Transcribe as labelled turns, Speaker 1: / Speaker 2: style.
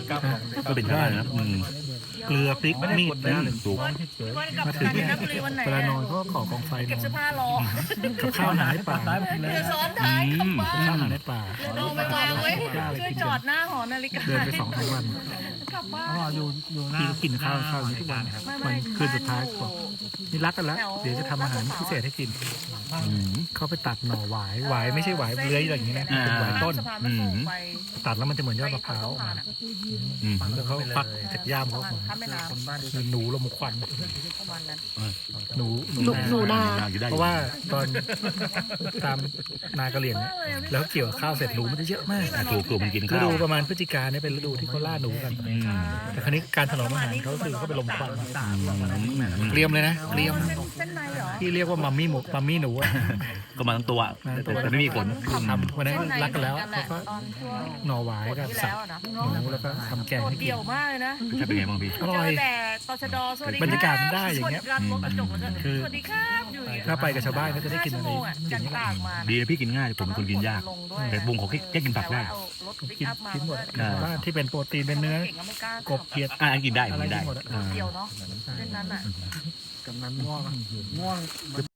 Speaker 1: ก็เป็นได้นะ
Speaker 2: เกลือพริกมีดนะ
Speaker 1: ถูก
Speaker 2: มาถึงเนี่ยเวลานอนก็ขอกองไฟน
Speaker 3: เก็บ
Speaker 2: อน
Speaker 3: เสื้อผ้ารอ
Speaker 2: กับข้าวหาในป่า
Speaker 3: เรือซ้อนท้ายกลับบ้า
Speaker 2: ข้าวน หาในป่า
Speaker 3: เรือโดนไปวางไว้ช่วยจอดหน้าหอนาฬิกา
Speaker 2: เดินไป2-3 วัน
Speaker 3: กลับบ้าน
Speaker 2: พี่ก็กินข้าวอย่างนี้ทุกวันมันคืนสุดท้ายกว่านี่รักกันแล้วเดี๋ยวจะทำอาหารพิเศษให้กินเขาไปตัดหน่อหวายหวายไม่ใช่หวายเลื้อยอะไรอย่างนี้นะเป็นหวายต้น
Speaker 3: สะพานมันโผล่ไป
Speaker 2: ตัดแล้วมันจะเหมือนยอดมะพร้าวแล้วเขาฟักจากย่ามเขาออกมา
Speaker 3: ข้ามแม่น้ำ
Speaker 2: คือหนูลมควัน
Speaker 3: ประมาณนั้น
Speaker 2: หนู
Speaker 4: หนูนา
Speaker 2: เพราะว่าตอนตามนากระเหลี่ยงเนี่ยแล้วเกี่ยวข้าวเสร็จหนูมันจะเยอะมาก
Speaker 1: ถูกมันกิน
Speaker 2: ฤ
Speaker 1: ข้าว
Speaker 2: ดูประมาณพฤศจิกาเนี่ยเป็นฤดูที่เขาล่าหนูกันแต่ครั้นี้การถนอมอาหารเขาคือเขาไปลมควันเกรียมเลยนะเกรียม
Speaker 3: เส้นในเหรอ
Speaker 2: ที่เรียกว่ามัมมี่หมูมัมมี่หนูอะ
Speaker 1: ก็มาทั้งตัวแต่ไม่มีขน
Speaker 2: ทำวันนั้นรักกันแล้วเขาก็
Speaker 3: ตอนช่วง
Speaker 2: หน่อหวายกับสับหนูแล้วก็ทำแกง
Speaker 3: โดด
Speaker 2: ให้กิน
Speaker 3: เดี่ยวมากเลยนะ
Speaker 1: ถ้าเป็นไงบ้างพี่
Speaker 2: อร่อย
Speaker 3: เจแต่ตชดสวัสดี
Speaker 2: บรรยากาศมันได้อย่างเงี้ย
Speaker 3: สวัสดีครับรถกระจกแล้วก็สวัสดีครับอยู่อย่างเงี้ย
Speaker 2: ถ้าไปกับชาวบ้านก็จะได้กิน
Speaker 3: 5
Speaker 2: อะ
Speaker 3: ชั่ว
Speaker 2: ไร
Speaker 3: โมงอ่ะ
Speaker 2: อ
Speaker 3: จา
Speaker 2: ย่าก งนี้
Speaker 3: ตากมา
Speaker 1: ดีนะพี่กินง่ายผมเป็นคนกินยาก
Speaker 3: ลงด้วย
Speaker 1: แต่บุ้งเขาแค่กินผักได้
Speaker 3: แต่ว่าเอารถปิก
Speaker 2: กิน
Speaker 3: อัพมา
Speaker 2: กินหมด
Speaker 3: เพื่อ
Speaker 2: บ้านที่เป็นโปรตีนเป็นเนื้อ
Speaker 3: เก่งก็ไม่กล้าก
Speaker 2: บเขียด
Speaker 1: อันกินได้
Speaker 2: อะไร
Speaker 1: กินได้
Speaker 2: กินหมดอะ
Speaker 3: เดียวเนาะเส้นนั้นอ่ะ
Speaker 2: กำนันง่วง